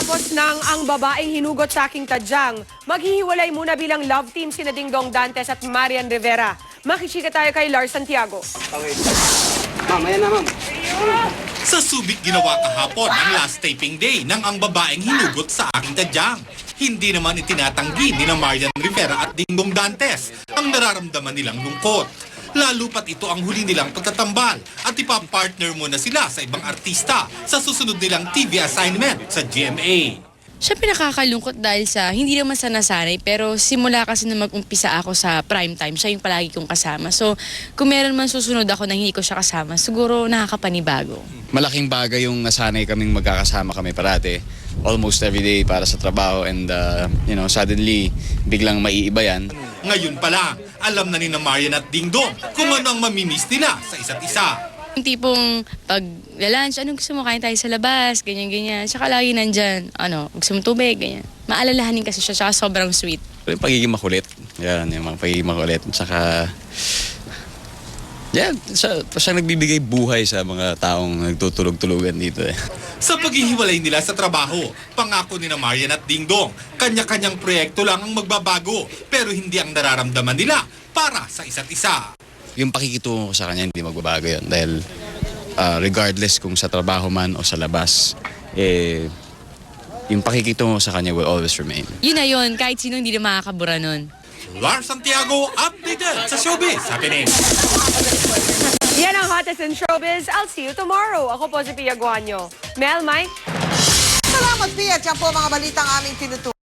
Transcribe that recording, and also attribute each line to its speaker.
Speaker 1: Pagkatapos ng Ang Babaeng Hinugot sa Aking Tadyang, maghihiwalay muna bilang love team sina Dingdong Dantes at Marian Rivera. Makichika tayo kay Lars Santiago.
Speaker 2: Ma'am, ayan na ma'am.
Speaker 3: Sa Subic ginawa kahapon ang last taping day ng Ang Babaeng Hinugot sa Aking Tadyang. Hindi naman itinatanggi ni na Marian Rivera at Dingdong Dantes ang nararamdaman nilang lungkot. Lalo pat ito ang huli nilang pagtatambal at ipapartner muna sila sa ibang artista sa susunod nilang TV assignment sa GMA.
Speaker 4: Siyempre nakakalungkot dahil sa hindi naman sa nasanay pero simula kasi na mag-umpisa ako sa prime time, siya yung palagi kong kasama. So kung meron man susunod ako na hindi ko siya kasama, siguro nakakapanibago.
Speaker 5: Malaking bagay yung nasanay kaming magkakasama kami parate, almost every day para sa trabaho and suddenly biglang maiiba yan.
Speaker 3: Ngayon pa lang, alam na ni na Marian at Dingdong kung ano ang mamimiss nila sa isa't isa.
Speaker 4: Yung tipong pag lunch, anong gusto mo, kain tayo sa labas, ganyan-ganyan. Tsaka lagi nandyan, gusto mo tubig, ganyan. Maalalahanin kasi siya, tsaka sobrang sweet.
Speaker 5: Yung pagiging makulit, yan, yung mga pagiging makulit. Tsaka, yan, siya nagbibigay buhay sa mga taong nagtutulog-tulugan dito eh.
Speaker 3: Sa paghihiwalay nila sa trabaho, pangako ni na Marian at Dingdong, kanya-kanyang proyekto lang ang magbabago pero hindi ang nararamdaman nila para sa isa't isa.
Speaker 5: Yung pakikitungo ko sa kanya hindi magbabago yun dahil regardless kung sa trabaho man o sa labas, yung pakikitungo ko sa kanya will always remain.
Speaker 4: Yun na yun, kahit sino hindi na makakabura nun.
Speaker 3: Lars Santiago, updated sa Showbiz Happening.
Speaker 1: Yan ang hottest in showbiz. I'll see you tomorrow. Ako po si Pia Guanyo. Mel, Mike?
Speaker 6: Salamat, Pia. Diyan po mga balitang aming tinutunan.